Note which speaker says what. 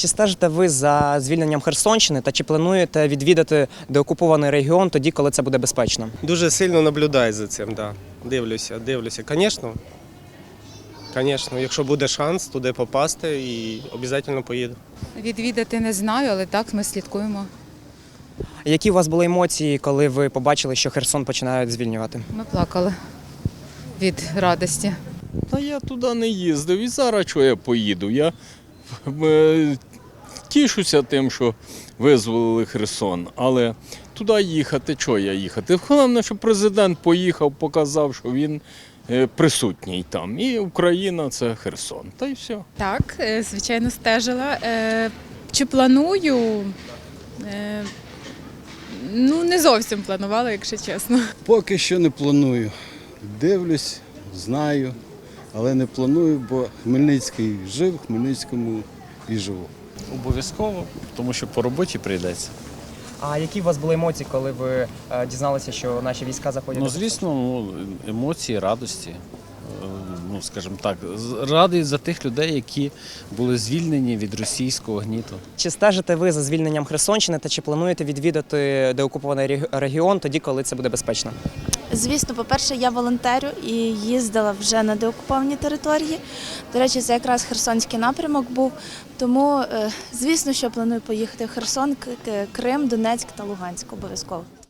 Speaker 1: Чи стежите ви за звільненням Херсонщини та чи плануєте відвідати деокупований регіон тоді, коли це буде безпечно?
Speaker 2: Дуже сильно наблюдаю за цим, да. Дивлюся. Звісно, якщо буде шанс туди попасти, і обов'язково поїду.
Speaker 3: Відвідати не знаю, але так, ми слідкуємо.
Speaker 1: Які у вас були емоції, коли ви побачили, що Херсон починають звільнювати?
Speaker 3: Ми плакали від радості.
Speaker 4: Та я туди не їздив і зараз чого я поїду. Я тішуся тим, що визволили Херсон, але туди їхати, чого я їхати? Головне, що президент поїхав, показав, що він присутній там. І Україна – це Херсон. Та й все.
Speaker 5: Так, звичайно, стежила. Чи планую? Ну, не зовсім планувала, якщо чесно.
Speaker 6: Поки що не планую. Дивлюсь, знаю, але не планую, бо Хмельницький жив, в Хмельницькому і живу.
Speaker 7: Обов'язково, тому що по роботі прийдеться.
Speaker 1: А які у вас були емоції, коли ви дізналися, що наші війська заходять?
Speaker 7: Ну, звісно, емоції, радості. Скажімо так, радий за тих людей, які були звільнені від російського гніту.
Speaker 1: Чи стежите ви за звільненням Херсонщини та чи плануєте відвідати деокупований регіон тоді, коли це буде безпечно?
Speaker 8: Звісно, по-перше, я волонтерю і їздила вже на деокуповані території. До речі, це якраз Херсонський напрямок був. Тому, звісно, що планую поїхати в Херсон, Крим, Донецьк та Луганськ обов'язково.